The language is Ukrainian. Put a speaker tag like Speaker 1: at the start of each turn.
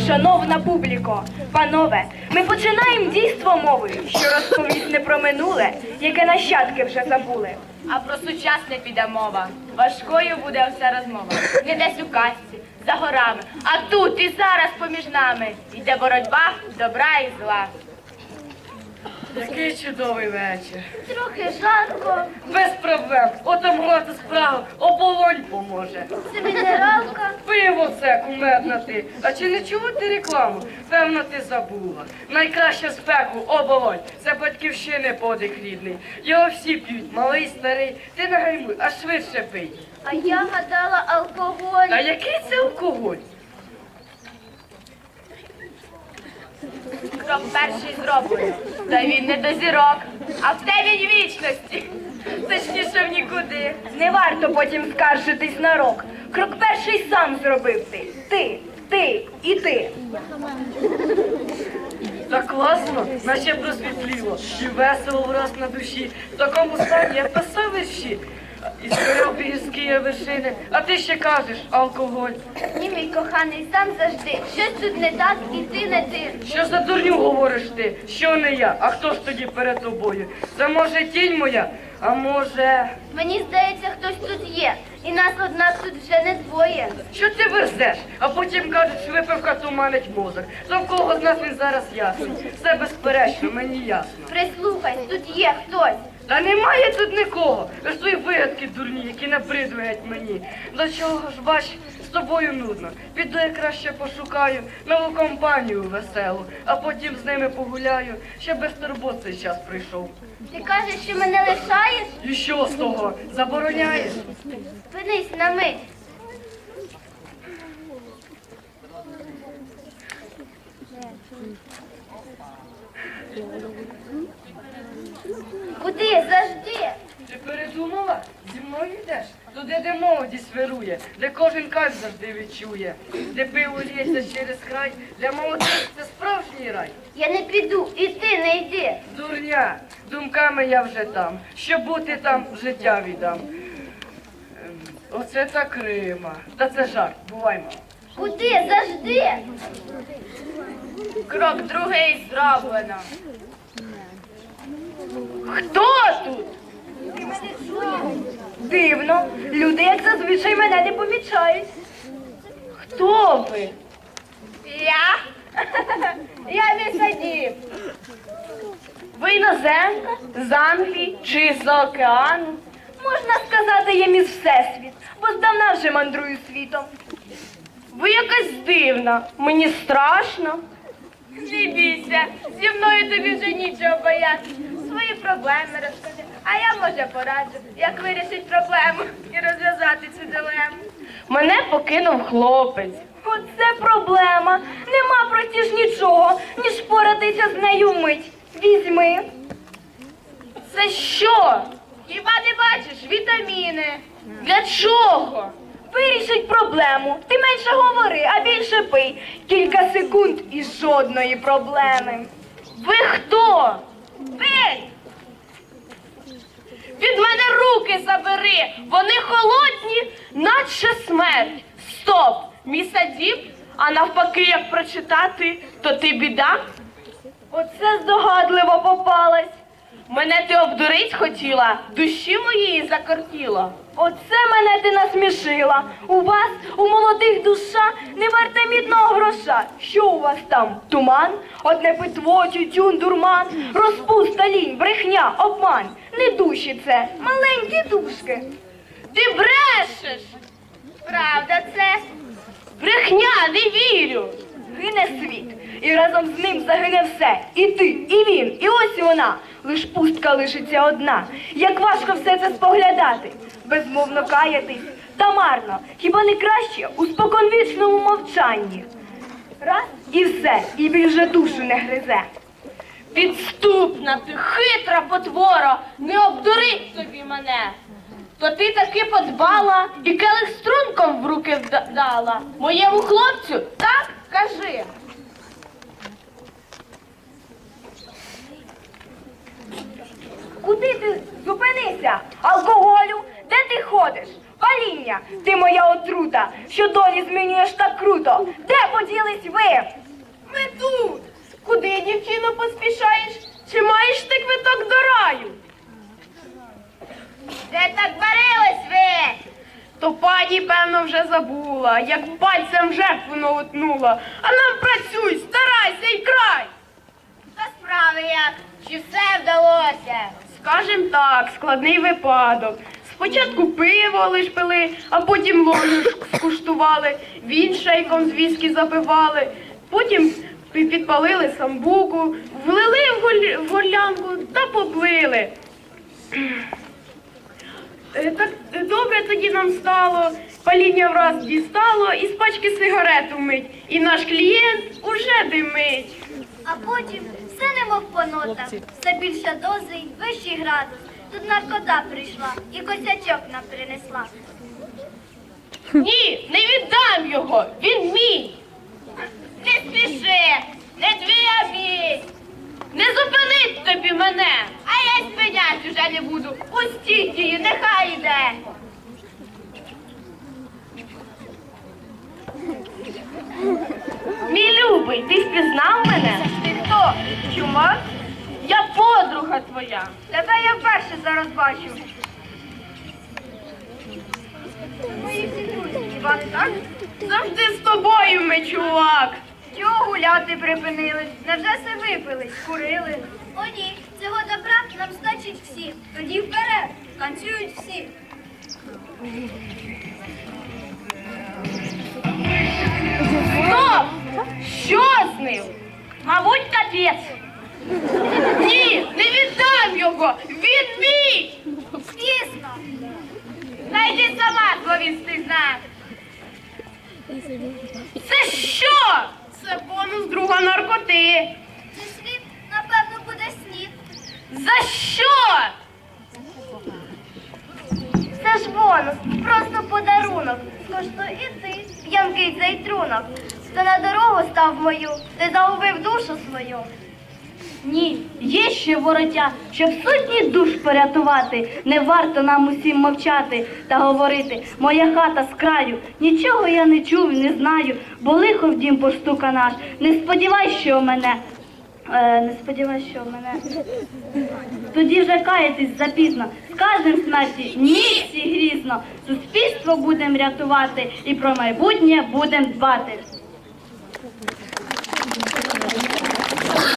Speaker 1: Шановна публіко, панове, ми починаємо дійство мови, що розповість не про минуле, яке нащадки вже забули.
Speaker 2: А про сучасне піде мова. Важкою буде вся розмова. Не десь у казці, за горами, а тут і зараз поміж нами йде боротьба добра і зла.
Speaker 3: Який чудовий вечір.
Speaker 2: Трохи жарко.
Speaker 3: Без проблем. Отамувати справу. Оболонь поможе.
Speaker 2: Це мінералка.
Speaker 3: Пиво це, кумедна ти. А чи не чула ти рекламу? Певно, ти забула. Найкраща спеку оболонь. Це батьківщини подих рідний. Його всі п'ють, малий, старий. Ти не гаймуй, а швидше пий.
Speaker 2: А я гадала алкоголь.
Speaker 3: А який це алкоголь?
Speaker 2: Крок перший зроблено. Та він не до зірок, а в тебе він вічності. Точніше в нікуди.
Speaker 1: Не варто потім скаржитись на рок. Крок перший сам зробив ти. Ти і ти.
Speaker 3: Так класно, наче просвітліло. І весело враз на душі. В такому стані я писав вірші. І скорив гірські вершини. А ти ще кажеш, алкоголь.
Speaker 2: Ні, мій коханий, сам завжди. Щось тут не так, і ти не ти.
Speaker 3: Що за дурню говориш ти? Що не я? А хто ж тоді перед тобою? Це може тінь моя? А може...
Speaker 2: Мені здається, хтось тут є. І нас, однак, тут вже не двоє.
Speaker 3: Що ти верзеш? А потім кажуть, що випивка туманить мозок. То в кого з нас він зараз ясний? Все безперечно, мені ясно.
Speaker 2: Прислухай, тут є хтось.
Speaker 3: Та немає тут нікого. Лиш твої вигадки дурні, які набридують мені. До чого ж, бач, з тобою нудно. Піду я краще пошукаю нову компанію веселу, а потім з ними погуляю, ще без турбот цей час прийшов.
Speaker 2: Ти кажеш, що мене лишаєш?
Speaker 3: І що з того? Забороняєш?
Speaker 2: Спинись на мить. Куди? Завжди.
Speaker 3: Ти передумала? Зі мною йдеш? Туди, де молодість вирує, де кожен кайф завжди відчує, де пиво лється через край, для молодих це справжній рай.
Speaker 2: Я не піду, і ти не йди.
Speaker 3: Дурня, думками я вже там, щоб бути там, життя віддам. Оце так Рима. Та це жарт, буваймо.
Speaker 2: Куди? Завжди. Крок другий зроблено.
Speaker 1: Хто тут? Дивно. Люди, як зазвичай, мене не помічають. Хто ви?
Speaker 2: Я? Я місадів.
Speaker 1: Ви іноземка? З Англії чи з океану? Можна сказати, я міс Всесвіт, бо здавна вже мандрую світом. Ви якась дивна, мені страшно.
Speaker 2: Не бійся, зі мною тобі вже нічого боятися. Свої проблеми розкажи, а я, може, пораджу, як вирішити проблему і розв'язати цю дилему.
Speaker 1: Мене покинув хлопець. Оце проблема. Нема простіж нічого, ніж впоратися з нею вмить. Візьми. Це що?
Speaker 2: Хіба не бачиш вітаміни?
Speaker 1: Для чого? Вирішить проблему. Ти менше говори, а більше пий. Кілька секунд і жодної проблеми. Ви хто?
Speaker 2: Пий! Від мене руки забери, вони холодні, наче смерть.
Speaker 1: Стоп! Місадіб? А навпаки, як прочитати, то ти біда? Оце здогадливо попалась. Мене ти обдурить хотіла, душі моєї закортіло. Оце мене ти насмішила. У вас, у молодих душа, не варте мідного гроша. Що у вас там? Туман? Одне питво, тютюн, дурман, розпуста, лінь, брехня, обман. Не душі це, маленькі душки.
Speaker 2: Ти брешеш! Правда це?
Speaker 1: Брехня, не вірю. Гине світ, і разом з ним загине все. І ти, і він, і ось вона. Лиш пустка лишиться одна. Як важко все це споглядати. Безмовно каятись, та марно. Хіба не краще у споконвічному мовчанні? Раз і все, і більше душу не гризе.
Speaker 2: Підступна ти, хитра потвора, не обдурить тобі мене. То ти таки подбала і келих струнком в руки дала. Моєму хлопцю так кажи.
Speaker 1: Куди ти? Зупинися! Алкоголю? Де ти ходиш?
Speaker 2: Паління, ти моя отрута, що долі змінюєш так круто. Де поділись ви?
Speaker 1: Ми тут. Куди, дівчино, поспішаєш? Чи маєш ти квиток до раю?
Speaker 2: Де так варились ви?
Speaker 1: То пані, певно, вже забула, як пальцем в жертву наутнула. А нам працюй, старайся і край.
Speaker 2: Та справи як? Чи все вдалося?
Speaker 1: Скажем так, складний випадок. Спочатку пиво лиш пили, а потім ложу скуштували, він шейком з віскі запивали, потім підпалили самбуку, влили в горлянку та поплили. Так добре тоді нам стало, паління враз дістало, і з пачки сигарету мить, і наш клієнт уже димить.
Speaker 4: А потім все немов по нотах, все більша доза й вищий градус. Тут наркота прийшла і косячок нам принесла.
Speaker 1: Ні, не віддам його, він мій.
Speaker 2: Не спіши, не твій, а мій.
Speaker 1: Не зупинить тобі мене.
Speaker 2: А я й спинять уже не буду. Пустіть її, нехай йде.
Speaker 1: Мій любий, ти впізнав мене?
Speaker 2: Ти хто?
Speaker 1: Чумак? Я подруга твоя.
Speaker 2: Тебе я вперше зараз бачу. Мої всі друзі, хіба не так?
Speaker 1: Завжди з тобою ми, чувак.
Speaker 2: Чого гуляти припинились? Невже все випили, курили?
Speaker 4: О ні, цього добра нам значить всім. Тоді вперед, танцюють всі.
Speaker 1: Стоп! Що з ним?
Speaker 2: Мабуть, капець.
Speaker 1: Ні, не віддам його! Він мій!
Speaker 4: Звісно,
Speaker 2: Найди сама зловісти знак.
Speaker 1: Це що? Це бонус друга наркоти.
Speaker 4: зі слів, напевно, буде снід.
Speaker 1: За що?
Speaker 4: Це ж бонус, просто подарунок. Скоштуй і ти, п'янкий цей трунок. Хто на дорогу став мою, ти загубив душу свою.
Speaker 5: Ні, є ще вороття, щоб сотні душ порятувати. Не варто нам усім мовчати та говорити. Моя хата з краю, нічого я не чув, не знаю, бо лихо в дім поштука наш. Не сподівай, що мене. Тоді вже каятись запізно. Скажем смерті, ні всі грізно. Суспільство будем рятувати і про майбутнє будем дбати.